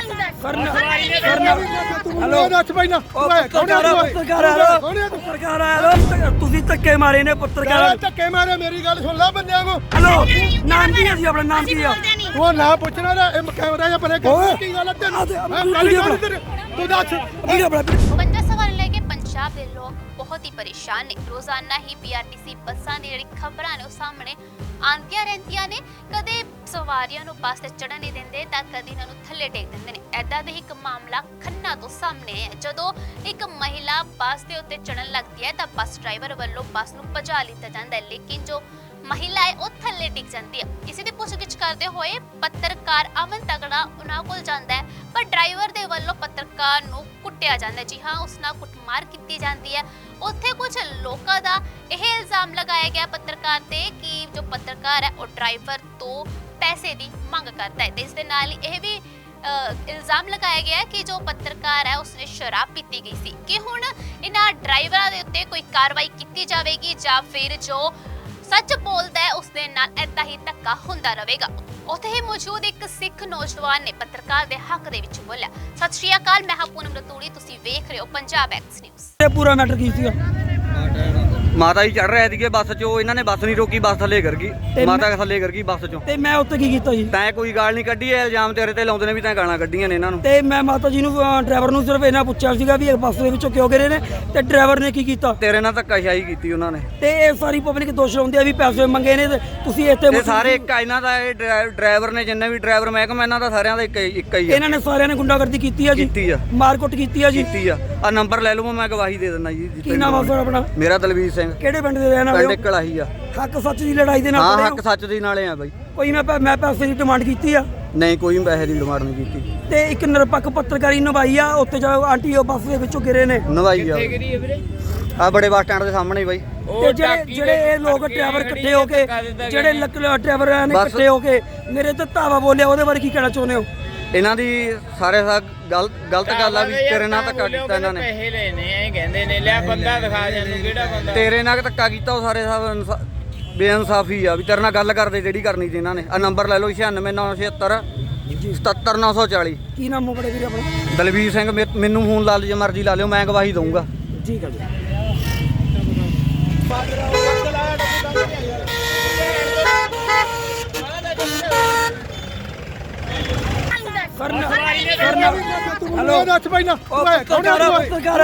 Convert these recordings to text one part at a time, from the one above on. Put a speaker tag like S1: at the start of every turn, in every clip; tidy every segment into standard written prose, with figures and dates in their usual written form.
S1: Hello ਦੱਸ ਭਾਈ ਨਾ
S2: ਪੱਤਰਕਾਰ ਆਇਆ ਤੁਸੀਂ ਧੱਕੇ ਮਾਰੇ ਨੇ ਪੱਤਰਕਾਰ
S1: ਧੱਕੇ ਮਾਰੇ ਮੇਰੀ ਗੱਲ ਸੁਣ ਲੈ ਬੰਦਿਆਂ ਨੂੰ
S2: ਹੈਲੋ ਨਾਮ ਕੀ ਹੈ ਜੀ ਆਪਣਾ ਨਾਮ ਕੀ ਆ
S1: ਉਹ ਨਾ ਪੁੱਛਣਾ ਨਾ ਇਹ ਕੈਮਰਾ ਜਾਂ ਪਰੇ ਕੀ ਗੱਲ ਹੈ ਤੈਨੂੰ ਤੂੰ ਦੱਸ
S3: 50 ਸਵਾਲ ਲੈ ਕੇ ਪੰਜਾਬ ਦੇ ਲੋਕ ਬਹੁਤ ਹੀ ਪਰੇਸ਼ਾਨ ਨੇ। ਰੋਜ਼ਾਨਾ ਹੀ ਪੀਆਰਟੀਸੀ ਬੱਸਾਂ ਦੀ ਜਿਹੜੀ ਖਬਰਾਂ ਨੇ ਉਹ ਸਾਹਮਣੇ ਆਉਂਦੀਆਂ ਰਹਿੰਦੀਆਂ ਨੇ। ਕਦੇ ਸਵਾਰੀਆਂ ਨੂੰ ਬੱਸ ਤੇ ਚੜ੍ਹਨ ਨਹੀਂ ਦਿੰਦੇ ਤਾਂ ਕਦੇ ਇਹਨਾਂ ਨੂੰ ਥੱਲੇ ਟੇਕ ਦਿੰਦੇ ਨੇ। ਐਦਾਂ ਦੇ ਇੱਕ ਮਾਮਲਾ ਖੰਨਾ ਤੋਂ ਸਾਹਮਣੇ ਹੈ। ਜਦੋਂ ਇੱਕ ਮਹਿਲਾ ਬੱਸ ਦੇ ਉੱਤੇ ਚੜ੍ਹਨ ਲੱਗਦੀ ਹੈ ਤਾਂ ਬੱਸ ਡਰਾਈਵਰ ਵੱਲੋਂ ਬੱਸ ਨੂੰ ਭਜਾ ਲਿੱਤਾ ਜਾਂਦਾ ਹੈ, ਲੇਕਿਨ ਜੋ ਮਹਿਲਾ ਹੈ ਉਹ ਥੱਲੇ ਡਿੱਗ ਜਾਂਦੀ ਹੈ। ਇਸੇ ਦੀ ਪੁੱਛਗਿੱਛ ਕਰਦੇ ਹੋਏ ਪੱਤਰਕਾਰ ਅਮਨ ਤਗੜਾ ਉਹਨਾਂ ਕੋਲ ਜਾਂਦਾ ਹੈ, ਪਰ ਡਰਾਈਵਰ ਦੇ ਵੱਲੋਂ ਪੱਤਰਕਾਰ ਨੂੰ ਕੁੱਟਿਆ ਜਾਂਦਾ ਹੈ। ਜੀ ਹਾਂ, ਉਸ ਨਾਲ ਕੁੱਟਮਾਰ ਕੀਤੀ ਜਾਂਦੀ ਹੈ। ਉੱਥੇ ਕੁਝ ਲੋਕਾਂ ਦਾ ਇਹ ਇਲਜ਼ਾਮ ਲਗਾਇਆ ਗਿਆ ਪੱਤਰਕਾਰ ਤੇ ਕਿ ਜੋ ਪੱਤਰਕਾਰ ਹੈ ਉਹ ਡਰਾਈਵਰ ਤੋਂ ਪੈਸੇ ਦੀ ਮੰਗ ਕਰਦਾ ਹੈ ਤੇ ਇਸ ਦੇ ਨਾਲ ਹੀ ਇਹ ਵੀ ਇਲਜ਼ਾਮ ਲਗਾਇਆ ਗਿਆ ਕਿ ਜੋ ਪੱਤਰਕਾਰ ਹੈ ਉਸਨੇ ਸ਼ਰਾਬ ਪੀਤੀ ਗਈ ਸੀ। ਕਿ ਹੁਣ ਇਹਨਾਂ ਡਰਾਈਵਰਾਂ ਦੇ ਉੱਤੇ ਕੋਈ ਕਾਰਵਾਈ ਕੀਤੀ ਜਾਵੇਗੀ ਜਾਂ ਫਿਰ ਜੋ ਸੱਚ ਬੋਲਦਾ ਹੈ ਉਸ ਦੇ ਨਾਲ ਏਦਾਂ ਹੀ ਧੱਕਾ ਹੁੰਦਾ ਰਹੇਗਾ। ਉੱਥੇ ਹੀ ਮੌਜੂਦ ਇੱਕ ਸਿੱਖ ਨੌਜਵਾਨ ਨੇ ਪੱਤਰਕਾਰ ਦੇ ਹੱਕ ਦੇ ਵਿੱਚ ਬੋਲਿਆ। ਸਤਿ ਸ਼੍ਰੀ ਅਕਾਲ, ਮੈਂ ਹਾਂ ਪੂਨਮ ਰਤੂੜੀ, ਤੁਸੀਂ ਵੇਖ ਰਹੇ ਹੋ ਪੰਜਾਬ ਐਕਸ ਨਿਊਜ਼।
S2: ਇਹ ਪੂਰਾ ਮੈਟਰ ਕੀ ਸੀਗਾ?
S4: ਮਾਤਾ ਜੀ ਚੜ ਰਹੇ ਸੀਗੇ ਬੱਸ 'ਚੋਂ, ਇਹਨਾਂ ਨੇ ਬੱਸ ਨਹੀਂ ਰੋਕੀ, ਬੱਸ ਥੱਲੇ ਕਰ ਗਈ, ਮਾਤਾ ਥੱਲੇ ਕਰ ਗਈ ਬੱਸ 'ਚੋਂ।
S2: ਤੇ ਮੈਂ ਉੱਥੇ ਕੀ ਕੀਤਾ ਜੀ?
S4: ਤੈਂ ਕੋਈ ਗਾਲ ਨਹੀਂ ਕੱਢੀ, ਇਹ ਇਲਜ਼ਾਮ ਤੇਰੇ ਤੇ ਲਾਉਂਦੇ ਨੇ ਵੀ ਤੈਂ ਗਾਲਾਂ ਕੱਢੀਆਂ ਨੇ ਇਹਨਾਂ ਨੂੰ।
S2: ਤੇ ਮੈਂ ਮਾਤਾ ਜੀ ਨੂੰ ਡਰਾਈਵਰ ਨੂੰ ਸਿਰਫ ਇਹਨਾਂ ਪੁੱਛਿਆ ਸੀਗਾ ਵੀ ਇਹ ਬੱਸ ਦੇ ਵਿੱਚੋਂ ਕਿਉਂ ਗਿਰੇ ਨੇ ਤੇ ਡਰਾਈਵਰ ਨੇ ਕੀ ਕੀਤਾ?
S4: ਤੇਰੇ ਨਾਲ ਧੱਕਾਸ਼ਾਹੀ ਕੀਤੀ ਉਹਨਾਂ ਨੇ।
S2: ਤੇ ਇਹ ਸਾਰੀ ਪਬਲਿਕ ਦੋਸ਼ ਲਾਉਂਦੀ ਆ ਵੀ ਪੈਸੇ ਮੰਗੇ ਨੇ ਤੇ ਤੁਸੀਂ ਇੱਥੇ
S4: ਇਹ ਸਾਰੇ ਇੱਕ ਆ ਇਹਨਾਂ ਦਾ, ਇਹ ਡਰਾਈਵਰ ਨੇ ਜਿੰਨੇ ਵੀ ਡਰਾਈਵਰ ਮਹਿਕਮਾ ਇਹਨਾਂ ਦਾ ਸਾਰਿਆਂ ਦਾ ਇੱਕ ਹੀ ਆ।
S2: ਇਹਨਾਂ ਨੇ ਸਾਰਿਆਂ ਨੇ ਗੁੰਡਾਗਰਦੀ ਕੀਤੀ ਆ ਜੀ,
S4: ਕੀਤੀ ਆ,
S2: ਮਾਰਕੁੱਟ ਕੀਤੀ ਆ ਜੀ,
S4: ਕੀਤੀ ਆ। ਆ ਨੰਬਰ ਲੈ ਲਓ, ਮੈਂ ਗਵਾਹੀ ਦੇ ਦਿੰਦਾ ਜੀ।
S2: ਕੀ ਨਾਮ ਆ ਸਰ ਆਪਣਾ?
S4: ਮੇਰਾ ਦਲਵੀਰ ਸਿੰਘ।
S2: ਕਿਹੜੇ ਪਿੰਡ ਦੇ ਰਹਿਣ ਵਾਲੇ
S4: ਪਿੰਡ
S2: ਹੋ?
S4: ਕਲਾਹੀ ਆ।
S2: ਹੱਕ ਸੱਚ ਦੀ ਲੜਾਈ ਦੇ ਨਾਲ
S4: ਹਾਂ,
S2: ਖੜੇ ਹੋ?
S4: ਹੱਕ ਸੱਚ ਦੀ ਨਾਲੇ ਆ ਬਾਈ।
S2: ਕੋਈ ਮੈਂ ਪੈਸੇ ਦੀ ਡਿਮਾਂਡ ਕੀਤੀ ਆ?
S4: ਨਹੀਂ, ਕੋਈ ਪੈਸੇ ਦੀ ਡਿਮਾਂਡ ਨਹੀਂ ਕੀਤੀ।
S2: ਤੇ ਇੱਕ ਨਿਰਪੱਖ ਪੱਤਰਕਾਰੀ ਨਿਭਾਈ ਆ। ਉੱਥੇ ਜੋ ਆਂਟੀ ਉਹ ਬੱਸ ਦੇ ਵਿੱਚੋਂ ਗਿਰੇ ਨੇ
S4: ਨਵਾਈ ਆ ਆ ਬੜੇ ਬੱਸ ਸਟੈਂਡ ਦੇ ਸਾਹਮਣੇ ਹੀ ਬਾਈ।
S2: ਤੇ ਜਿਹੜੇ ਇਹ ਲੋਕ ਡਰਾਈਵਰ ਇਕੱਠੇ ਹੋ ਕੇ ਜਿਹੜੇ ਡਰਾਈਵਰ ਨੇ ਇਕੱਠੇ ਹੋ ਕੇ ਮੇਰੇ ਤੇ ਧਾਵਾ ਬੋਲਿਆ, ਉਹਦੇ ਬਾਰੇ ਕੀ ਕਹਿਣਾ ਚਾਹੁੰਦੇ ਹੋ?
S4: ਇਹਨਾਂ ਦੀ ਸਾਰੇ ਗਲਤ ਗੱਲ ਆ ਵੀ ਤੇਰੇ ਨਾਲ ਧੱਕਾ ਕੀਤਾ ਇਹਨਾਂ ਨੇ।
S5: ਪੈਸੇ ਲੈਣੇ ਐ ਕਹਿੰਦੇ ਨੇ, ਲਿਆ ਬੰਦਾ ਦਿਖਾ ਜਾਨੂੰ ਕਿਹੜਾ ਬੰਦਾ
S4: ਤੇਰੇ ਨਾਲ ਧੱਕਾ ਕੀਤਾ, ਉਹ ਸਾਰੇ ਸਭ ਬੇਇਨਸਾਫੀ ਆ ਵੀ ਤੇਰੇ ਨਾਲ ਗੱਲ ਕਰਦੇ ਜਿਹੜੀ ਕਰਨੀ ਸੀ ਇਹਨਾਂ ਨੇ। ਆ ਨੰਬਰ ਲੈ ਲਓ 9696 77940।
S2: ਕੀ ਨਾਮ ਹੈ ਬੜੇ ਵੀਰ ਆਪਣਾ?
S4: ਦਲਵੀਰ ਸਿੰਘ। ਮੈਨੂੰ ਫੋਨ ਲਾ ਲਿਓ ਜੇ ਮਰਜ਼ੀ ਲਾ ਲਿਓ, ਮੈਂ ਗਵਾਹੀ ਦਊਂਗਾ।
S2: ਠੀਕ ਹੈ ਜੀ।
S1: ਹੈਲੋ ਦੱਸ ਭਾਈ ਨਾ
S2: ਪੱਤਰਕਾਰ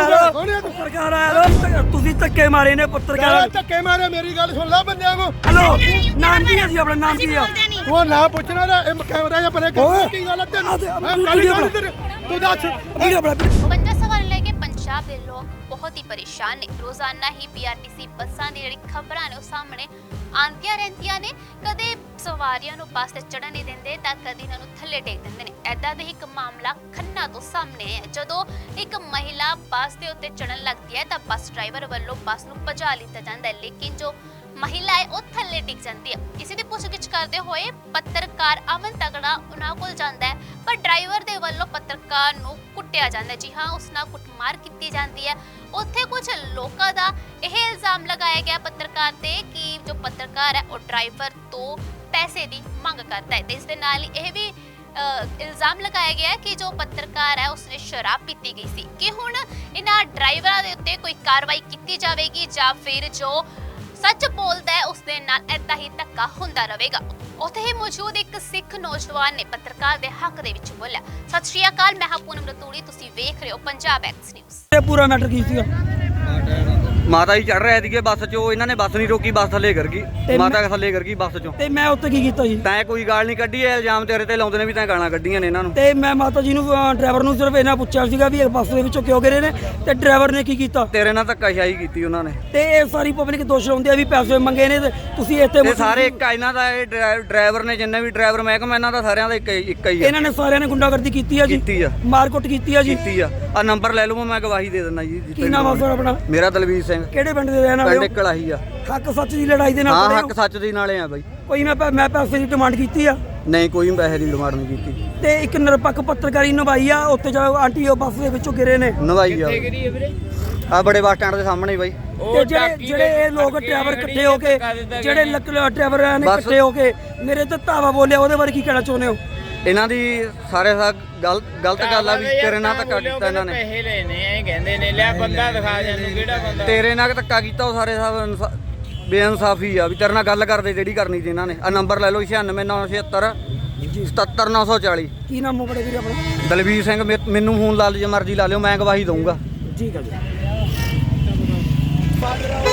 S2: ਆਇਆ ਤੁਸੀਂ ਧੱਕੇ ਮਾਰੇ ਨੇ ਪੱਤਰਕਾਰ
S1: ਧੱਕੇ ਮਾਰੇ ਮੇਰੀ ਗੱਲ ਸੁਣ ਲੈ ਬੰਦਿਆਂ ਨੂੰ।
S2: ਹੈਲੋ ਨਾਮ ਕੀ ਹੈ ਜੀ ਆਪਣਾ ਨਾਮ ਕੀ ਆ?
S1: ਉਹ ਨਾ ਪੁੱਛਣਾ ਨਾ ਇਹ ਕੈਮਰਾ ਜਾਂ ਪਰੇ ਕੀ ਗੱਲ ਹੈ ਤੈਨੂੰ ਤੂੰ ਦੱਸ
S3: 50 ਸਵਾਲ ਲੈ ਕੇ ਪੰਜਾਬ ਦੇ ਲੋਕ ਬਹੁਤ ਹੀ ਪਰੇਸ਼ਾਨ ਨੇ। ਰੋਜ਼ਾਨਾ ਹੀ ਪੀਆਰਟੀਸੀ ਬੱਸਾਂ ਦੀ ਜਿਹੜੀ ਖਬਰਾਂ ਨੇ ਉਹ ਸਾਹਮਣੇ ਆਉਂਦੀਆਂ ਰਹਿੰਦੀਆਂ ਨੇ। ਕਦੇ ਸਵਾਰੀਆਂ ਨੂੰ ਬੱਸ ਤੇ ਚੜ੍ਹਨ ਨਹੀਂ ਦਿੰਦੇ ਤਾਂ ਕਦੇ ਇਹਨਾਂ ਨੂੰ ਥੱਲੇ ਟੇਕ ਦਿੰਦੇ ਨੇ। ਐਦਾਂ ਦੇ ਇੱਕ ਮਾਮਲਾ ਖੰਨਾ ਤੋਂ ਸਾਹਮਣੇ ਹੈ। ਜਦੋਂ ਇੱਕ ਮਹਿਲਾ ਬੱਸ ਦੇ ਉੱਤੇ ਚੜ੍ਹਨ ਲੱਗਦੀ ਹੈ ਤਾਂ ਬੱਸ ਡਰਾਈਵਰ ਵੱਲੋਂ ਬੱਸ ਨੂੰ ਭਜਾ ਲਿੱਤਾ ਜਾਂਦਾ ਹੈ, ਲੇਕਿਨ ਜੋ ਮਹਿਲਾ ਹੈ ਉਹ ਥੱਲੇ ਡਿੱਗ ਜਾਂਦੀ ਹੈ। ਇਸੇ ਦੀ ਪੁੱਛਗਿੱਛ ਕਰਦੇ ਹੋਏ ਪੱਤਰਕਾਰ ਅਮਨ ਤਗੜਾ ਉਹਨਾਂ ਕੋਲ ਜਾਂਦਾ ਹੈ, ਪਰ ਡਰਾਈਵਰ ਦੇ ਵੱਲੋਂ ਪੱਤਰਕਾਰ ਨੂੰ ਕੁੱਟਿਆ ਜਾਂਦਾ ਹੈ। ਜੀ ਹਾਂ, ਉਸ ਨਾਲ ਕੁੱਟਮਾਰ ਕੀਤੀ ਜਾਂਦੀ ਹੈ। ਉੱਥੇ ਕੁਝ ਲੋਕਾਂ ਦਾ ਇਹ ਇਲਜ਼ਾਮ ਲਗਾਇਆ ਗਿਆ ਪੱਤਰਕਾਰ ਤੇ ਕਿ ਜੋ ਪੱਤਰਕਾਰ ਹੈ ਉਹ ਡਰਾਈਵਰ ਤੋਂ ਪੈਸੇ ਦੀ ਮੰਗ ਕਰਦਾ ਹੈ ਤੇ ਇਸ ਦੇ ਨਾਲ ਹੀ ਇਹ ਵੀ ਇਲਜ਼ਾਮ ਲਗਾਇਆ ਗਿਆ ਕਿ ਜੋ ਪੱਤਰਕਾਰ ਹੈ ਉਸਨੇ ਸ਼ਰਾਬ ਪੀਤੀ ਗਈ ਸੀ। ਕਿ ਹੁਣ ਇਹਨਾਂ ਡਰਾਈਵਰਾਂ ਦੇ ਉੱਤੇ ਕੋਈ ਕਾਰਵਾਈ ਕੀਤੀ ਜਾਵੇਗੀ ਜਾਂ ਫਿਰ ਜੋ ਸੱਚ ਬੋਲਦਾ ਹੈ ਉਸ ਦੇ ਨਾਲ ਏਦਾਂ ਹੀ ਧੱਕਾ ਹੁੰਦਾ ਰਹੇਗਾ। ਉੱਥੇ ਹੀ ਮੌਜੂਦ ਇੱਕ ਸਿੱਖ ਨੌਜਵਾਨ ਨੇ ਪੱਤਰਕਾਰ ਦੇ ਹੱਕ ਦੇ ਵਿੱਚ ਬੋਲਿਆ। ਸਤਿ ਸ਼੍ਰੀ ਅਕਾਲ, ਮੈਂ ਹਾਂ ਪੂਨਮ ਰਤੂੜੀ, ਤੁਸੀਂ ਵੇਖ ਰਹੇ ਹੋ ਪੰਜਾਬ ਐਕਸ ਨਿਊਜ਼।
S2: ਇਹ ਪੂਰਾ ਮੈਟਰ ਕੀ ਸੀਗਾ?
S4: ਮਾਤਾ ਜੀ ਚੜ ਰਹੇ ਸੀਗੇ ਬੱਸ 'ਚੋਂ, ਇਹਨਾਂ ਨੇ ਬੱਸ ਨਹੀਂ ਰੋਕੀ, ਬੱਸ ਥੱਲੇ ਕਰ ਗਈ, ਮਾਤਾ ਥੱਲੇ ਕਰ ਗਈ ਬੱਸ 'ਚੋਂ।
S2: ਤੇ ਮੈਂ ਉੱਥੇ ਕੀ ਕੀਤਾ ਜੀ?
S4: ਤੈਂ ਕੋਈ ਗਾਲ ਨਹੀਂ ਕੱਢੀ, ਇਹ ਇਲਜ਼ਾਮ ਤੇਰੇ ਤੇ ਲਾਉਂਦੇ ਨੇ ਵੀ ਤੈਂ ਗਾਲਾਂ ਕੱਢੀਆਂ ਨੇ ਇਹਨਾਂ ਨੂੰ।
S2: ਤੇ ਮੈਂ ਮਾਤਾ ਜੀ ਨੂੰ ਡਰਾਈਵਰ ਨੂੰ ਸਿਰਫ ਇਹਨਾਂ ਪੁੱਛਿਆ ਸੀਗਾ ਵੀ ਇਹ ਬੱਸ ਦੇ ਵਿੱਚੋਂ ਕਿਉਂ ਗਿਰੇ ਨੇ ਤੇ ਡਰਾਈਵਰ ਨੇ ਕੀ ਕੀਤਾ?
S4: ਤੇਰੇ ਨਾਲ ਧੱਕਾਸ਼ਾਹੀ ਕੀਤੀ ਉਹਨਾਂ ਨੇ।
S2: ਤੇ ਇਹ ਸਾਰੀ ਪਬਲਿਕ ਦੋਸ਼ ਲਾਉਂਦੀ ਆ ਵੀ ਪੈਸੇ ਮੰਗੇ ਨੇ ਤੇ ਤੁਸੀਂ ਇੱਥੇ
S4: ਸਾਰੇ ਇੱਕ ਆ ਇਹਨਾਂ ਦਾ, ਇਹ ਡਰਾਈਵਰ ਨੇ ਜਿੰਨੇ ਵੀ ਡਰਾਈਵਰ ਮਹਿਕਮਾ ਇਹਨਾਂ ਦਾ ਸਾਰਿਆਂ ਦਾ ਇੱਕ ਹੀ ਆ।
S2: ਇਹਨਾਂ ਨੇ ਸਾਰਿਆਂ ਨੇ ਗੁੰਡਾਗਰਦੀ ਕੀਤੀ ਆ ਜੀ,
S4: ਕੀਤੀ ਆ,
S2: ਮਾਰਕੁੱਟ ਕੀਤੀ ਆ ਜੀ,
S4: ਕੀਤੀ ਆ। ਆ ਨੰਬਰ ਲੈ ਲਓ, ਮੈਂ ਗਵਾਹੀ ਦੇ ਦਿੰਦਾ ਜੀ।
S2: ਕੀ ਨਾਮ ਆ ਸਰ ਆਪਣਾ?
S4: ਮੇਰਾ ਦਲਵੀਰ ਸਿੰਘ।
S2: ਕਿਹੜੇ ਪਿੰਡ ਦੇ ਰਹਿਣ ਵਾਲੇ ਹੋ?
S4: ਪਿੰਡ ਕਲਾਹੀ ਆ।
S2: ਹੱਕ ਸੱਚ ਦੀ ਲੜਾਈ ਦੇ ਨਾਲ
S4: ਹਾਂ,
S2: ਖੜੇ ਹੋ?
S4: ਹੱਕ ਸੱਚ ਦੀ ਨਾਲੇ ਆ ਬਾਈ।
S2: ਕੋਈ ਮੈਂ ਪੈਸੇ ਦੀ ਡਿਮਾਂਡ ਕੀਤੀ ਆ?
S4: ਨਹੀਂ, ਕੋਈ ਪੈਸੇ ਦੀ ਡਿਮਾਂਡ ਨਹੀਂ ਕੀਤੀ।
S2: ਤੇ ਇੱਕ ਨਿਰਪੱਖ ਪੱਤਰਕਾਰੀ ਨਿਭਾਈ ਆ। ਉੱਥੇ ਜੋ ਆਂਟੀ ਉਹ ਬੱਸ ਦੇ ਵਿੱਚੋਂ ਗਿਰੇ ਨੇ
S4: ਨਵਾਈ ਆ ਆ ਬੜੇ ਬੱਸ ਸਟੈਂਡ ਦੇ ਸਾਹਮਣੇ ਹੀ ਬਾਈ।
S2: ਤੇ ਜਿਹੜੇ ਇਹ ਲੋਕ ਡਰਾਈਵਰ ਇਕੱਠੇ ਹੋ ਕੇ ਜਿਹੜੇ ਡਰਾਈਵਰ ਨੇ ਇਕੱਠੇ ਹੋ ਕੇ ਮੇਰੇ ਤੇ ਧਾਵਾ ਬੋਲਿਆ, ਉਹਦੇ ਬਾਰੇ ਕੀ ਕਹਿਣਾ ਚਾਹੁੰਦੇ ਹੋ?
S4: ਇਹਨਾਂ ਦੀ ਸਾਰੇ ਗਲਤ ਗੱਲ ਆ ਵੀ ਤੇਰੇ ਨਾਲ ਧੱਕਾ ਕੀਤਾ ਇਹਨਾਂ ਨੇ।
S5: ਪੈਸੇ ਲੈਣੇ ਐ ਕਹਿੰਦੇ ਨੇ ਲਿਆ ਬੰਦਾ ਦਿਖਾ ਜਾਨੂੰ ਕਿਹੜਾ ਬੰਦਾ
S4: ਤੇਰੇ ਨਾਲ ਧੱਕਾ ਕੀਤਾ ਉਹ ਸਾਰੇ ਸਾਹਿਬ ਬੇਇਨਸਾਫੀ ਆ ਵੀ ਤੇਰੇ ਨਾਲ ਗੱਲ ਕਰਦੇ ਜਿਹੜੀ ਕਰਨੀ ਸੀ ਇਹਨਾਂ ਨੇ। ਆ ਨੰਬਰ ਲੈ ਲਓ 9696 77940।
S2: ਕੀ ਨਾਮ ਬੜੇ ਵੀਰ ਆਪਣਾ?
S4: ਦਲਵੀਰ ਸਿੰਘ। ਮੈਨੂੰ ਫੋਨ ਲਾ ਲਿਓ ਜੇ ਮਰਜ਼ੀ ਲਾ ਲਿਓ, ਮੈਂ ਗਵਾਹੀ ਦਊਂਗਾ।
S2: ਠੀਕ ਹੈ ਜੀ।